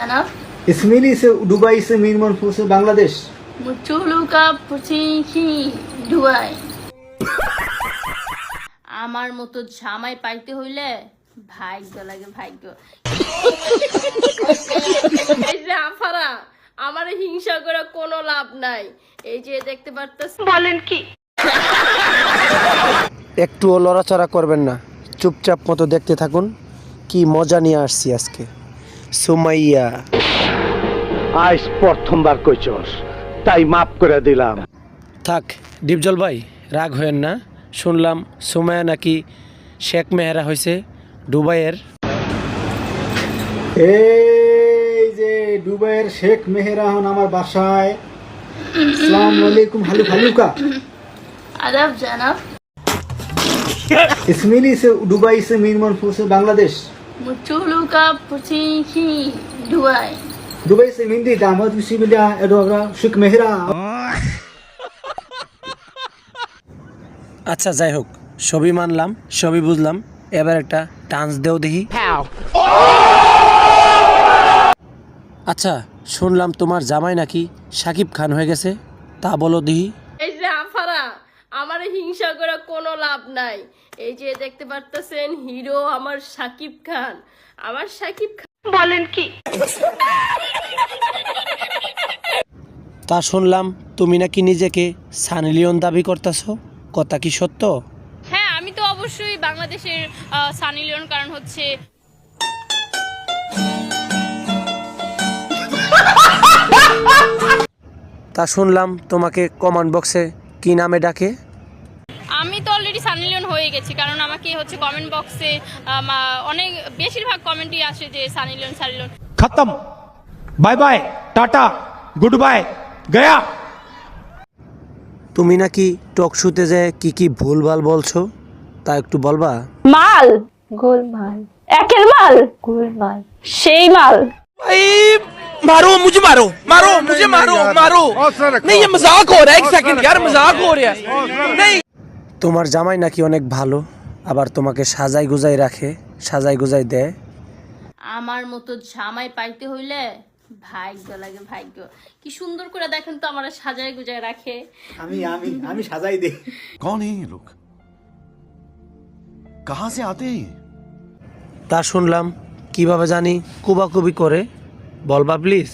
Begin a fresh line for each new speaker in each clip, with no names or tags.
जनाब।
इस्माइली से दुबई से मीर मनफू से बांग्लादेश।
मुचुलू का पुचिखी दुबई। আমার মতো জামাই পাইতে হইলে ভাগ্য লাগে ভাগ্য। এই যে আফারা আমার হিংসা করে কোনো লাভ নাই। এই যে দেখতে পারতেছ বলেন কি
একটুও লড়াচড়া করবেন না, চুপচাপ মতো দেখতে থাকুন। কি মজা নিয়ে আসছি আজকে। সুমাইয়া
আজ প্রথমবার কইছস, তাই মাফ করে দিলাম।
থাক ডিপজল ভাই, রাগ হয়েন না। শুনলাম সুমাইয়া নাকি শেখ মেহেরা হয়েছে দুবাইয়ের।
এই যে দুবাইয়ের শেখ মেহেরা হন আমার বাসায়। আসসালামু আলাইকুম হালু হালুকা।
আদাব জনাব।
इस्माइली से दुबई से मीर मनफू से बांग्लादेश।
मुचुलू का पुचिखी दुबई।
दुबई से मिंदी दामद बिसिबिलिया एडोगरा শেখ মেহেরা।
আচ্ছা যাই হোক, সবই মানলাম, সবই বুঝলাম। এবার একটা ডান্স দেও দেখি। আচ্ছা শুনলাম তোমার জামাই নাকি শাকিব খান হয়ে গেছে, তা বলো দেখি।
এই যে আফারা আমার হিংসা করে কোনো লাভ নাই। এই যে দেখতে পারতেছেন হিরো আমার শাকিব খান। আমার শাকিব খান বলেন কি
তা শুনলাম তুমি নাকি নিজেকে সানি লিওন দাবি করতেছো, কথা কি সত্য?
হ্যাঁ আমি তো অবশ্যই বাংলাদেশের সানি লিওন, কারণ হচ্ছে
তা শুনলাম তোমাকে কমেন্ট বক্সে কি নামে ডাকে?
আমি তো অলরেডি সানি লিওন হয়ে গেছি, কারণ আমাকে হচ্ছে কমেন্ট বক্সে অনেক বেশিরভাগ কমেন্টই আসে যে সানি লিওন সানি লিওন।
खत्म, bye bye, tata, good bye, गया।
তুমি নাকি টক শুতে যায় কি কি ভুলভাল বলছো, তা একটু বলবা?
মাল গোলমাল, একের মাল গোলমাল, সেই মাল।
मारो मुझे, मारो मारो मुझे, मारो मारो। नहीं ये मजाक हो रहा है, एक सेकंड यार, मजाक हो रहा है। नहीं
তোমার জামাই নাকি অনেক ভালো, আবার তোমাকে সাজাই গুজাই রাখে, সাজাই গুজাই দেয়।
আমার মতো জামাই পাইতে হইলে ভাগ্য লাগে ভাগ্য। কি সুন্দর করে দেখেন তো আমার সাজায় গুজায় রাখে।
আমি সাজাই দেই।
कौन है ये लोग, कहां से आते हैं?
তা শুনলাম কিভাবে জানি কুবাকুবি করে, বলবা প্লিজ?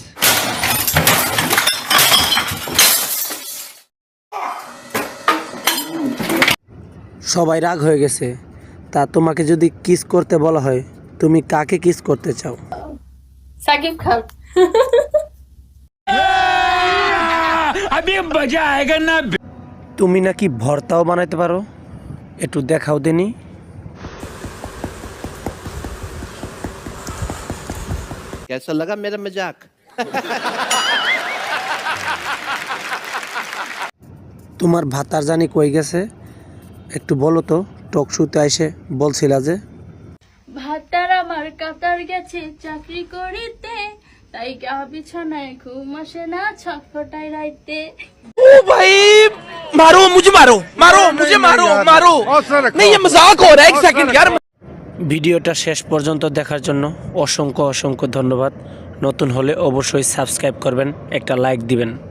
সবাই রাগ হয়ে গেছে, তা তোমাকে যদি কিস করতে বলা হয় তুমি কাকে কিস করতে চাও?
সাকিব খান।
अभी मजा आएगा ना।
তুমি নাকি ভর্তাও বানাইতে পারো, একটু দেখাও দেনি।
कैसा लगा मेरा मजाक?
তোমার ভাতার জানি কই গেছে, একটু বলো তো। টক শুতে আইসে বলছিলা যে
ভাতার আমার কাতার গেছে চাকরি করিতে, তাই গা বিছানায় ঘুম আসে না ছটফটাই রাইতে।
ओ भाई मारो मुझे, मारो मारो मुझे, मारो मारो। नहीं ये मजाक हो रहा है, एक सेकंड यार।
ভিডিওটা শেষ পর্যন্ত দেখার জন্য অসংখ্য অসংখ্য ধন্যবাদ। নতুন হলে অবশ্যই সাবস্ক্রাইব করবেন, একটা লাইক দিবেন।